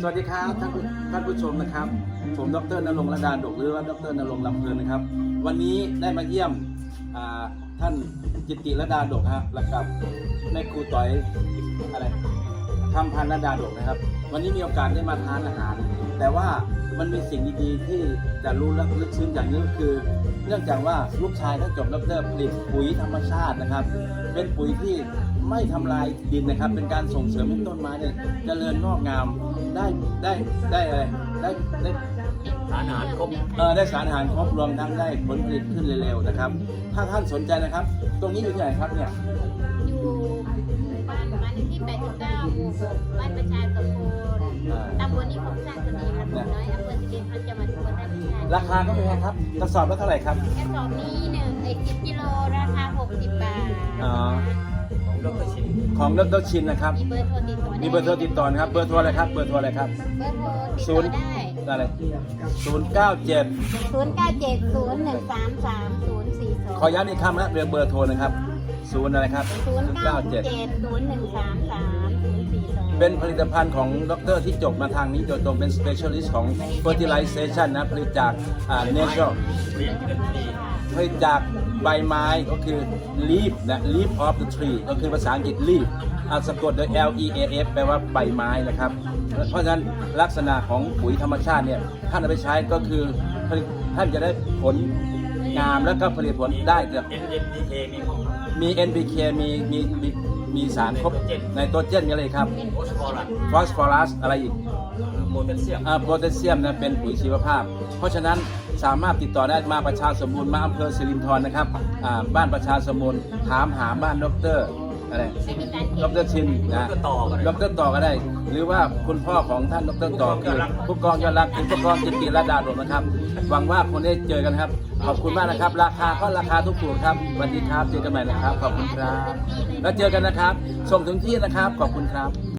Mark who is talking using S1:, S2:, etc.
S1: สวัสดีครับท่านผู้ชมนะครับผมดร.ณรงค์ระดาดกหรือว่าดร.ณรงค์ลำเพลินนะครับวันนี้ได้มาเยี่ยมท่านจิตติระดาดกครับแล้วกับแม่ครูต่อยอะไรคำพันธ์ระดาดกนะครับวันนี้มีโอกาสได้มาทานอาหารแต่ว่ามันมีสิ่งดีๆที่จะรู้และลึกซึ้งอย่างนี้ก็คือเนื่องจากว่าลูกชายท่านจบดร.ผลิตปุ๋ยธรรมชาตินะครับเป็นปุ๋ยที่ไม่ทำลายดินนะครับเป็นการส่งเสริมให้ต้นไม้เนี่ยเจริญงอกงามได้
S2: สารอาหารครบ
S1: ได้สารอาหารครบรวมทั้งได้ผลผลิตขึ้นเร็วๆนะครับถ้าท่านสนใจนะครับตรงนี้อยู่ที่ไหนครับเนี่ย
S3: อยู่บ้านเลขที่89หมู่6บ้านประชาสมบูรณ์ตำบลนิคมสร้างตัวนี้ค่ะหมู่น้อยอำเภอสิรินธรจังหวัดอุบลราชธานี
S1: ราคาก็ไม่แพงครับกระสอบละเท่าไหร่ครับ
S3: กระสอบนี้10กิโลราคา60 บาท
S1: ของดร.ชินนะครับ
S3: มีเบอร์โทรติดต่อ
S1: นะครับเบอร์โทรอะไรครับเบอร์โทรอะไรครับ
S3: เบอร์โทรติดต่อได้
S1: อะไร097 ขอย้ำอีกครั้งนะเบอร์โทรนะครับ0อะไรครับ
S3: 097
S1: เป็นผลิตภัณฑ์ของดร.ที่จบมาทางนี้โดยตรงเป็น specialist ของ fertilization นะผลิตจากnatural ผลิตจากใบไม้ก็คือ leaf นะ leaf of the tree ก็คือภาษาอังกฤษ leaf สะกดโดย leaf แปลว่าใบไม้นะครับเพราะฉะนั้นลักษณะของปุ๋ยธรรมชาติเนี่ยท่านเอาไปใช้ก็คือท่านจะได้ผลงามแล้วก็ผลิตผลได้จากมี NPK มีสารครบในตัวเจนมีอะไรครับฟอสฟอรัสอะไรอีก
S2: โพแทสเ
S1: ซียมนะเป็นปุ๋ยชีวภาพเพราะฉะนั้นสามารถติดต่อได้มาประชาสมบูรณ์มาอำเภอสิรินธรนะครับบ้านประชาสมบูรณ์ถามหาบ้านดร.อะไรดร.ชินนะดร.ต่อก็ได้หรือว่าคุณพ่อของท่านดร.ต่อคือผู้กองยอดรักคือผู้กองจิตติระดาดกนะครับหวังว่าคนได้เจอกันครับขอบคุณมากนะครับราคาก็ราคาถูกๆครับสวัสดีครับเจอกันใหม่นะครับขอบคุณครับแล้วเจอกันนะครับส่งถึงที่นะครับขอบคุณครับ